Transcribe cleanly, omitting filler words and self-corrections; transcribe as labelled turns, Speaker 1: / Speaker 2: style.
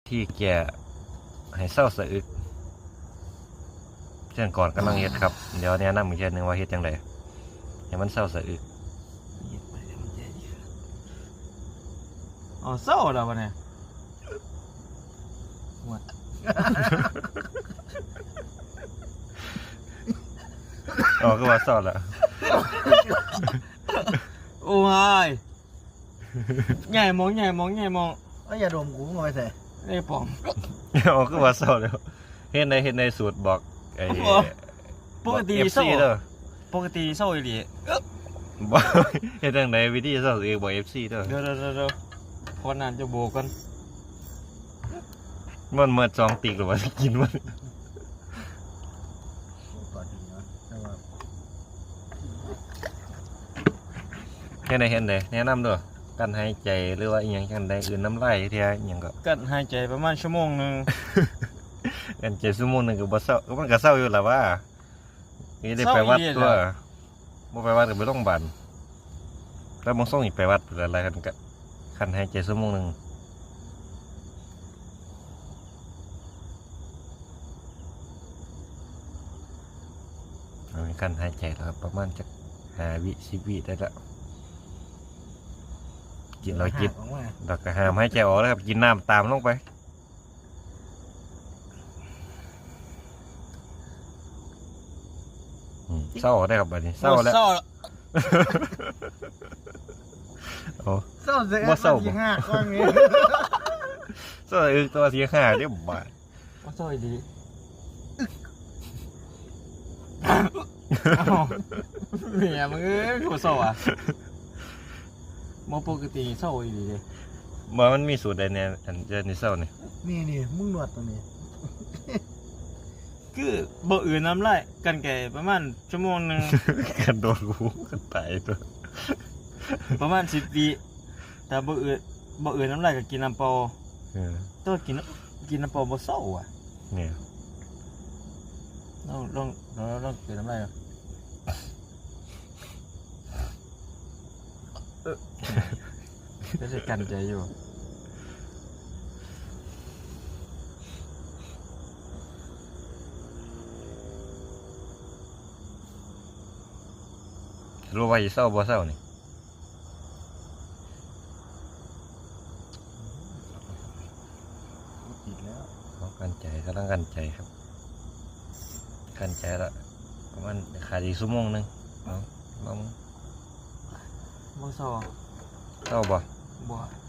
Speaker 1: ที่แก่ให้เศร้าสะอึกเช่นก่อนกำลังเฮ็ดครับเดี๋ยวแนะนำอีกเช่นหนึ่งว่าเฮ็ดจังไดให้มันเศร้าสะอึก
Speaker 2: อ๋อเศร้าแล้ววะเนี่ยหมด
Speaker 1: อ๋อก็ว่าเศร้าละ
Speaker 2: โอ้ยใหญ่มองใหญ่มองใหญ่มอง
Speaker 3: อย่าดมกูมาไปใส่
Speaker 2: ไอ้ปอม
Speaker 1: อ๋อก็ว่าเศร้าแล้วเฮ็ดในสูตรบอกไอ้
Speaker 2: ปกติ
Speaker 1: เอฟ
Speaker 2: เศร้า
Speaker 1: ซีเด้อ
Speaker 2: ปกติเศร้าอีหลี
Speaker 1: บอกเฮ็ดจังไดวิธีเศร้าสะอึกบอก FC เด้อ
Speaker 2: เดี๋ยวพอนานจะโบกัน
Speaker 1: มันเมื่อจองติกหรือว่ากินมัน
Speaker 3: ก่อนดีเนาะแต่ว่า
Speaker 1: เฮ็ดได้แนะนำเด้อการหายใจหรือว่าอีหยังจังไดอื่นน้ำลายเที่ยอีหยังก็
Speaker 2: กัดหายใจประมาณชั่วโมงหนึง
Speaker 1: กันใจชั่วโมงหนึงก็บ่เศร้าก็มันก็เศร้าอยู่ล่ะว่านี่ได้ไปวัดตัวบ่ไปวัดก็ไปโรงพยาบาลแล้วบางส่งอีกไปวัดอะไรกันก็คันหายใจชั่วโมงหนึงคันหายใจแล้วครับประมาณจัก5 วิ10 วิได้ละกินเรากิน
Speaker 3: ออกมา
Speaker 1: เราก็ห้ามหายใจออกแล้วครับกินน้ำตามลงไปเศร้าได้ครับบัดนี้เศร้าแล้ว
Speaker 2: เศร้า
Speaker 1: โอ้
Speaker 3: เศร้าเสีย
Speaker 1: บ่เศร้าบ่
Speaker 3: ที่ห้าก้อนนี้
Speaker 1: เศร้าตัวเสียค่าเรียบบาท
Speaker 2: ว่าเศร้าอีหลีอ้าวเมียมึงเอ้ยกูเศร้าอ่ะมอปกติเศร้าอีหลีเลย
Speaker 1: มามันมีสูตรใดเนี่ยอันเจอในเศร้านี่
Speaker 3: นี่มึงหนวดตรงนี้
Speaker 2: คือบ่อื่นน้ำลายกันแก่ประมาณชั่วโมงหนึง
Speaker 1: กันโดนกูกันตายตัว
Speaker 2: ประมาณ10 วิแต่บ่อื่นน้ำลายก็กินน้ำเปล่า
Speaker 1: เออ
Speaker 2: ตัวกินน้ำเปล่าบ่เศร้าอ่ะ
Speaker 1: เนี่ย
Speaker 2: ลองกินน้ำลายก็จะกันใจอยู่
Speaker 1: รู้ว่าจะเศร้าบ่เศร้านี่
Speaker 3: อีกแล้ว
Speaker 1: เอากันใจกำลังกันใจครับกันใจละประมาณขาดอีกชั่วโมงหนึงเอาลอง
Speaker 2: บ่เศร้า
Speaker 1: เศร้าบ่
Speaker 2: บ่